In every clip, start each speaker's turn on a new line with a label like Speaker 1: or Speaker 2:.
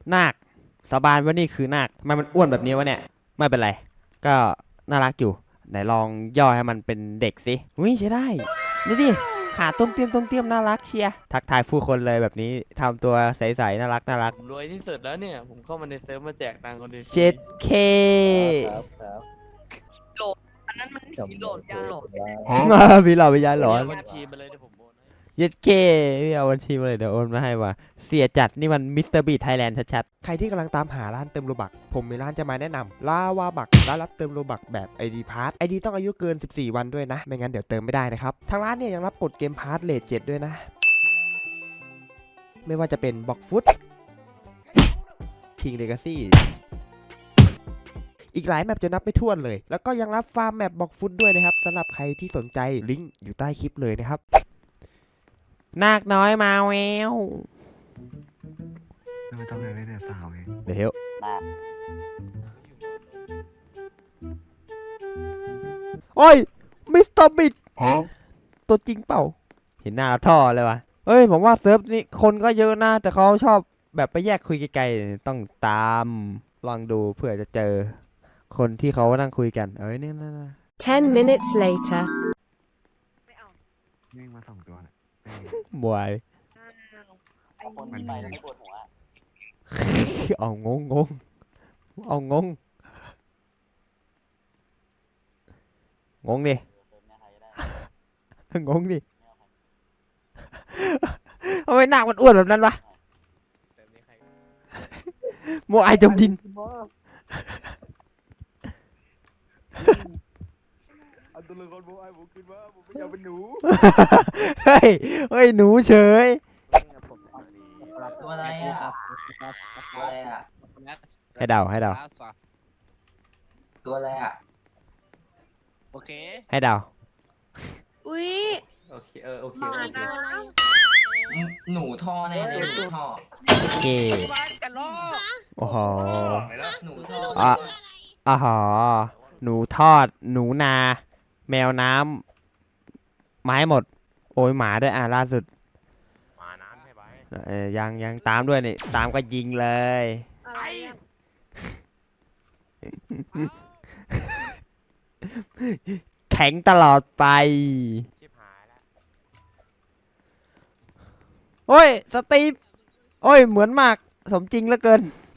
Speaker 1: นาคสาบานว่านี่คือนาคทำไมมันอ้วนแบบนี้วะเนี่ยไม่เป็นไรก็น่ารักอยู่ไหนลองย่อให้มันเป็นเด็กสิอุ้ยใช้ได้นี่ดิขาต้มเตี้ยมต้มเตี้ยมน่ารักเชียร์ทักทายผู้คนเลยแบบนี้ทำตัวใสๆน่ารักน่ารัก
Speaker 2: ผมรวยที่สุดแล้วเนี่ยผมเข้ามาในเซิร์ฟมาแจกตังค์คนเดียวฟรี
Speaker 1: เจ็ดเค
Speaker 3: ครับ
Speaker 4: โหลดอันนั้นมันผีโหลดยาโหลด
Speaker 1: พี่เราไปย้ายหลอน
Speaker 2: เาบัญชีมาเลยเดี๋ยวผมโอนให้
Speaker 1: เย็ดเคพี่เอาบัญชีมาเลยเดี๋ยวโอนมาให้ว่ะเสียจัดนี่มันมิสเตอร์บีไทยแลนด์ชัดๆใครที่กำลังตามหาร้านเติมโลบักผมมีร้านจะมาแนะนำลาวาบักร้านรับเติมโลบักแบบ ID Pass ID ต้องอายุเกิน14วันด้วยนะไม่งั้นเดี๋ยวเติมไม่ได้นะครับทางร้านเนี่ยยังรับกดเกมพาร์ทเลท7ด้วยนะไม่ว่าจะเป็นบ็อกฟุตคิงเลกาซี่อีกหลายแมปจะนับไม่ถ้วนเลย แล้วก็ยังรับฟาร์มแมปบ็อกฟุตด้วยนะครับสำหรับใครที่สนใจลิงก์อยู่ใต้คลิปเลยนะครับนาคน้อยมาแวว
Speaker 3: ไม่ต้องเลยเนี่ยสาวเอง
Speaker 1: เดี๋ยวโอ้ยมิสเตอร์บิดตัวจริงเปล่าเห็นหน้าแล้วท่อเลยวะเฮ้ยผมว่าเซิร์ฟนี้คนก็เยอะนะแต่เขาชอบแบบไปแยกคุยไกลๆต้องตามลองดูเพื่อจะเจอคนที่เขานั่งคุยกันเอ้ยนี่นะ
Speaker 5: 10 minutes later.
Speaker 3: วิ่งมา2 ตัวเนี่ย
Speaker 1: บวย
Speaker 3: คนที่ไปแล้วไม่ปวดหัว
Speaker 1: เอางงเอางงดิงงดิทำไมหน้ามันอ้วนแบบนั้นวะโมไอจมดิน
Speaker 3: เอาตัวละครโบไอผมขึ้นมาผมไม่อยากเป็นหนู
Speaker 1: เฮ้ยหนูเฉย
Speaker 4: ตัวอะไรอ่ะตัวอะไรอ่ะ
Speaker 1: ให้เดา
Speaker 4: ตัวอะไรอ่ะ
Speaker 2: โอเค
Speaker 1: ให้เดา
Speaker 6: อุ้ย
Speaker 2: โอเคโอเค
Speaker 6: หมาดา
Speaker 4: หนูท่อแน่เลยหนูท่อ
Speaker 1: โอเคโอ้โห
Speaker 4: หนูท่อ
Speaker 1: อ่ะอ๋อหนูทอดหนูนา แมวน้ำไม้หมด โอ้ยหมาด้วยล่าสุด
Speaker 2: มาน้ำให้ไป
Speaker 1: ยังตามด้วยนี่ตามก็ยิงเลย
Speaker 6: อะไรอะ
Speaker 1: แข็งตลอดไป
Speaker 2: ชิบหายแล้ว
Speaker 1: โอ้ยสตีฟโอ้ยเหมือนมากสมจริงเหลือเกิน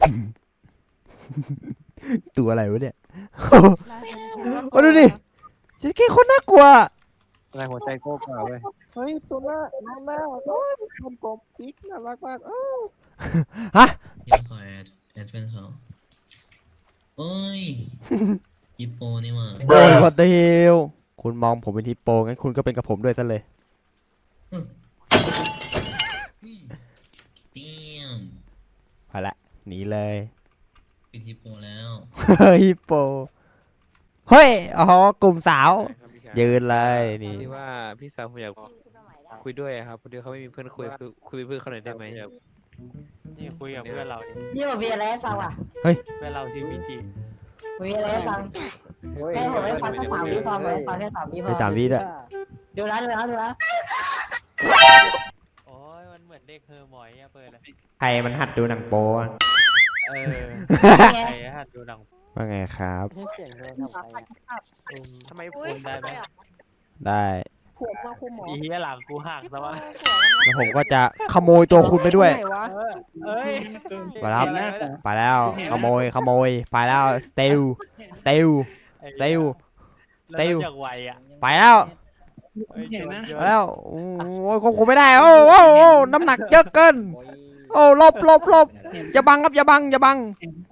Speaker 1: ตัวอะไรวะเนี่ย โอ้ดูดิเจ๊แค่คนน่ากลัว
Speaker 3: อะไรหัวใจโก้กว่าเว้ยเฮ้ยตัวหน้าโอ้ยคนกบปิ๊กน่ารักมาก
Speaker 1: ฮะ
Speaker 7: เดี๋ยวขอแอดเพื่อนเขาโอ้ย ยิปโปนี่มา
Speaker 1: โอ้ยพอเดียวคุณมองผมเป็นฮิปโปงั้นคุณก็เป็นกับผมด้วยซะเลย
Speaker 7: เตี้ยม
Speaker 1: พอละหนีเลย
Speaker 7: เป็นยิปโปแล้ว
Speaker 1: ฮิปโปเฮ้ยอ๋อกลุ่มสาว ยืนเลยนี่
Speaker 2: ที่ว่าพี่สาวผมอยากคุยด้วยอะครับพอดีเขาไม่มีเพื่อนคุยคือคุยเป็นเพื่อนเขาหน่อยได้ไหมครับนี่คุยกับเพื่อนเรา
Speaker 8: นี่มันมีอะไรให้ฟังอ่ะ
Speaker 2: เพื่อนเราชื่อมิจิ
Speaker 8: มีอะไรให้ฟังให้ผมให้ฟังแค่3 วิพอไหมฟังแค่3 วิพอ
Speaker 1: ใน3 วิด้วย
Speaker 8: ดูนะ
Speaker 2: โอ้ยมันเหมือนเด็กเฮอร์มอยอะเปิดเลย
Speaker 1: ใครมันหัดดูหนังโป๊อะ
Speaker 2: ใครหัดดูหนัง
Speaker 1: ว่าไงครับ
Speaker 2: ทำไม
Speaker 6: อุ้
Speaker 2: พู
Speaker 6: ย
Speaker 2: ดได้ไหม
Speaker 1: ได้
Speaker 2: อีเหี้ยหลังกูหัก
Speaker 6: ที่
Speaker 2: แล้ว
Speaker 6: โป
Speaker 2: วะ
Speaker 6: สวยมาก
Speaker 1: แล้วผมก็จะขโมยตัวคุณไปด้วย
Speaker 2: เอ้ย
Speaker 1: ไปแล้วไปแล้วขโมยไปแล้วสเตลเตล
Speaker 2: แล้วจากไวอะ
Speaker 1: ไปแล้ว ไปแล้วโอ้ยควบคุมไม่ได้โอ้น้ำหนักเยอะเกินโอ้หลบอย่าบังครับอย่าบัง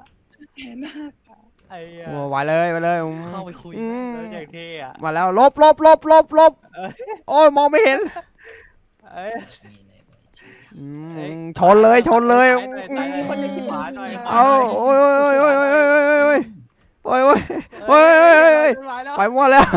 Speaker 2: ไอ้เหี้ย
Speaker 1: โอ้ไหวเลย
Speaker 2: เข้าไปคุย
Speaker 1: อืม
Speaker 2: แล้วจากเท่อะ
Speaker 1: มาแล้วหลบโอ้ยมองไม่เห็น
Speaker 2: เอ้ย
Speaker 7: มีอะไรบ่อยจริง
Speaker 1: ชนเลย
Speaker 2: คนในขี้หมาหน่อย
Speaker 1: เอาโอ้ยไปมั่วแล้ว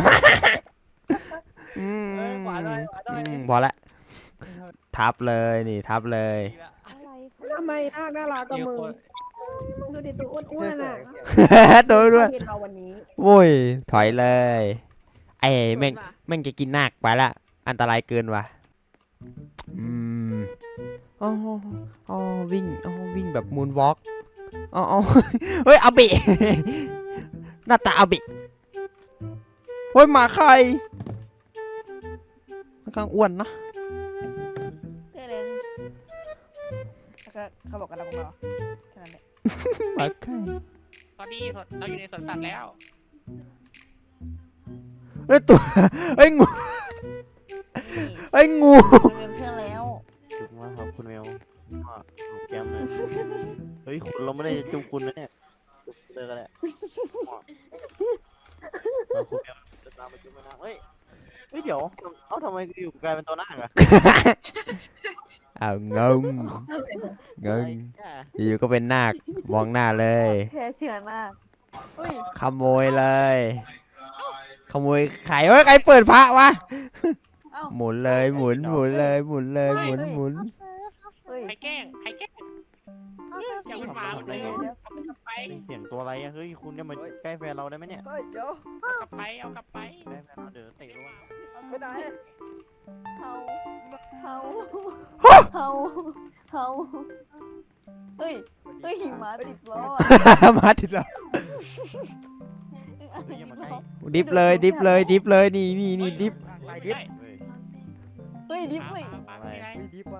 Speaker 1: พอละทับเลยนี่ทับเลย
Speaker 8: ทำไมน่ารักกับมึงดูดิตัวอ้วนๆอ่ะ
Speaker 1: ตัวด้วย
Speaker 8: เห็นเราวันนี้
Speaker 1: โว้ยถอยเลยไอ้แม่งจะกินนาคไปละอันตรายเกินว่ะอ๋ออ๋อวิ่งอ๋อวิ่งแบบมูนวอล์กอ๋ออ๋อเฮ้ยอาบิ หน้าตาอาบิเฮ้ยหมาใครค่อนข้างอ้วนนะ
Speaker 8: เท่เลยเขาบอกกันนะพวกเราแค่นั้นแหละ
Speaker 1: หมาใคร
Speaker 6: ตอนนี้เราอยู่ในสวนสัตว์แล้ว
Speaker 1: เฮ้ยตัวเฮ้ยงูเฮ้ยงู
Speaker 8: เริ่มเท่แล้ว
Speaker 3: จุกมากครับคุณเมลจุกแก้มเลยเฮ้ยคุณเราไม่ได้จุกคุณนะเนี่ยจุกเลยกันแหละคุณเมลจะตามมาจุกมานะเฮ้ยเดี๋ยวเอ้าทำไมอยู่กลายเป็นตัวหน้าอะ
Speaker 1: อ้าวงงอยู่ก็เป็นนาคมองหน้าเลย
Speaker 8: แค่เชื่อมากเฮ้ย
Speaker 1: ขโมยเลย ขโมยไข่เฮ้ยใครเปิดพระวะ
Speaker 8: เอ้า
Speaker 1: หมุนเลยหมุนเลยหมุนหมุน
Speaker 8: เฮ้ย
Speaker 6: ใครแกล้งอย่าเป็นหมาหมดเลยเอากลับไป
Speaker 3: เสียงตัวอะไรอะเฮ้ยคุณเนี่ยมาใกล้แฟนเราได้ไหมเนี่ย
Speaker 8: เฮ้ยเดี๋ยว
Speaker 6: เอากลับไป
Speaker 3: ใกล้แฟนเราเดี๋ยวเตะลง
Speaker 8: ไม่ได้เฮาเฮ้ยหิมะติดล้อ
Speaker 1: มาถึงแล้ว
Speaker 3: เฮ้ยอย่ามาใกล้
Speaker 1: ดิฟเลยนี่ดิฟ
Speaker 6: ดิบ
Speaker 3: เฮ้ย
Speaker 8: เฮ้ยดิบเว้ย
Speaker 3: อะไรดิบว่ะ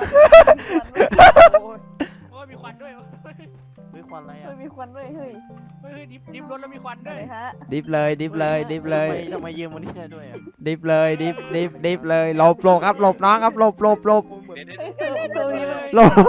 Speaker 6: โอ้ยมีควันด้วย
Speaker 3: เฮ้ยควันอะไร
Speaker 8: เฮ้
Speaker 3: อะ
Speaker 8: ยมีควันด้วยเฮ้ย
Speaker 6: เฮ้ยดิบรถแล้วมีควันด้
Speaker 8: อะ
Speaker 6: วย
Speaker 8: ไรฮะ
Speaker 1: ดิฟเลย
Speaker 3: ทำไมยืมวันนี้ได้ด้วยอะ
Speaker 1: ดิฟเลยหลบครับหลบน้องครับหลบ
Speaker 8: เฮ้ยตัวนี้เลย
Speaker 1: หลบ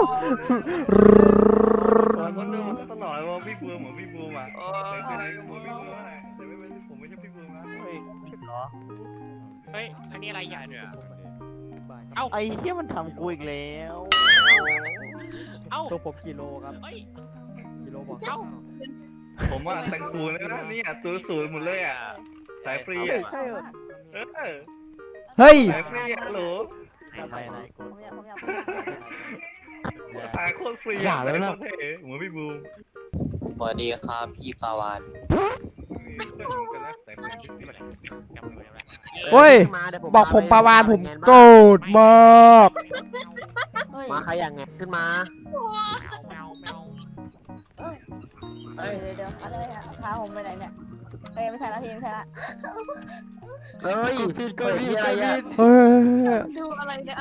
Speaker 9: คนนึงมันก็ตลอดว่าพี่บูมเหมือนพี่บูมอ่ะเป็นอะไรก็เหมือนพี่บูมอ่ะแต่ไม่เป็นผมไม่ใช่พี่บูมนะ
Speaker 3: เฮ้ยเหรอ
Speaker 6: เฮ้ยอันนี้อะไรใหญ่ด้วย
Speaker 3: ไอ้เหี้ยมันทำกูอีกแล้ว
Speaker 6: เอ้า
Speaker 3: ตัวผมกิโลครับ
Speaker 6: เฮ้ย
Speaker 3: กิโลบอก
Speaker 6: เอ้า
Speaker 9: ผมอ่ะแต่งศูนย์เลยนะเนี่ยตัวศูนย์หมดเลยอ่ะสายฟรีอ่ะ
Speaker 8: ใช่เหรอ
Speaker 1: เฮ้ย
Speaker 9: สายฟรีอ่ะฮัลโหล
Speaker 3: อะไรกู
Speaker 8: ผมอยาก
Speaker 9: สายโคตรฟรีอ่ะไม่ต้องเท่เหมือนพี่บูม
Speaker 4: สวัสดีครับพี่ปาวาน
Speaker 1: เฮ้ยบอกผมปาวานผมโกรธมาก
Speaker 8: เฮ้ย
Speaker 3: มาใครอย่างไงขึ้นมา
Speaker 8: เดี๋ยวอะไรอะพาผมไปไหนเนี่ยเอ้ยไม่ใช่ละพี่ไม่ใช่ละ
Speaker 3: เฮ้ยก็มีอะไรอ่ะ
Speaker 1: เฮ้ย
Speaker 6: ดูอะไรเนี่ย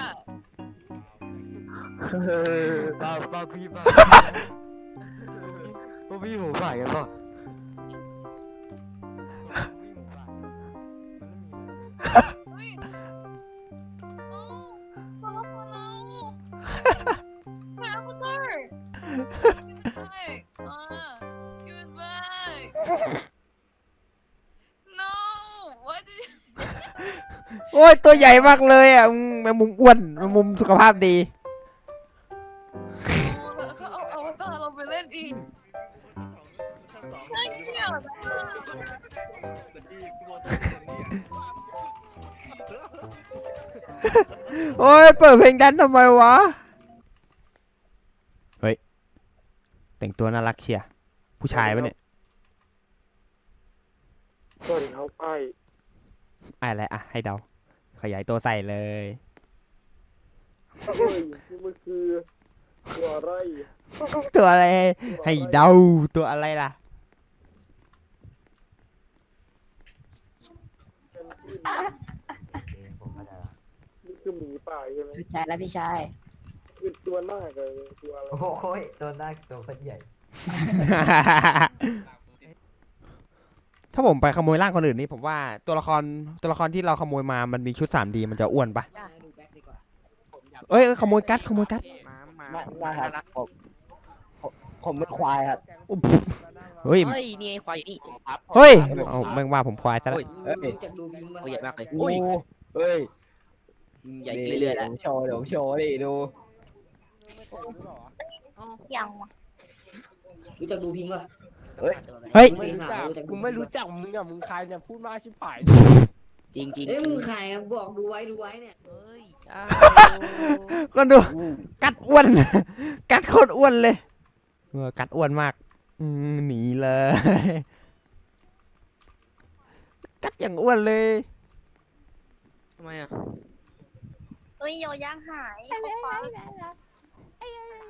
Speaker 3: บ้าพี่บ้าพวกพี่หมูฝ่ายกันป่ะ
Speaker 1: โอ้ยตัวใหญ่มากเลยอ่ะแมงมุมอ้วนแมงมุมสุขภาพดี
Speaker 6: เขาเอาอวตารเราไปเล่นอีกน่าเกลียด
Speaker 1: โอ้ยเปิดเพลงแดนซ์ทำไมวะเฮ้ยแต่งตัวน่ารักเชียร์ผู้ชายปะเนี่ย
Speaker 3: ก็ถึงเขาไป
Speaker 1: อะไรอ่ะให้เดาขยายตัวใส่เลย
Speaker 3: เฮ้ยมันคือตัวอะไร
Speaker 1: ตัวอะไรให้เดาตัวอะไรล่ะ
Speaker 3: นี่คือหมีป่าใช่ไหม
Speaker 8: พี่ชายแล้วพี่ชาย
Speaker 3: คือตัวหน้าเลยตัวอะไร
Speaker 4: โอ้ยตัวหน้าตัวคนใหญ่
Speaker 1: ถ้าผมไปขโมยร่างคนอื่นนี่ผมว่าตัวละครที่เราขโมยมามันมีชุด 3D มันจะอ้วนปะเอ้ยขโมยกัด
Speaker 3: มาครับผมเป็นควายครับ
Speaker 1: อุ๊บเฮ้ย
Speaker 4: เฮ้ยนี่ไอ้ควายนี่
Speaker 1: เฮ้ยเอาแม่งว่าผมควายซะแล้ว
Speaker 3: เฮ้ย
Speaker 4: จากดูพิงโอ้ยใหญ่มากเลย
Speaker 3: โอ้เฮ้ย
Speaker 4: ใหญ่เรื่อยๆแล้ว
Speaker 3: เดี๋ยวผมโชว์ดิดู
Speaker 6: ยัง
Speaker 4: รู้จักดูพิงป่ะ
Speaker 1: เฮ้ย
Speaker 4: กูไม่รู้จัก
Speaker 8: มึงอะมึงใครเนี่ยพูดมาชิบหาย
Speaker 4: จริงจริงเอ้ยมึงใครบอกดูไว้เนี่ยเฮ้ย
Speaker 1: ก็ดูกัดอ้วน กัดโคตรอ้วนเลยกัดอ้วนมากหนีเลย กัดอย่างอ้วนเลย
Speaker 4: ทำไมอ่ะ
Speaker 6: เฮ้ยโยย่างหายเขาคว้า
Speaker 8: ไอ้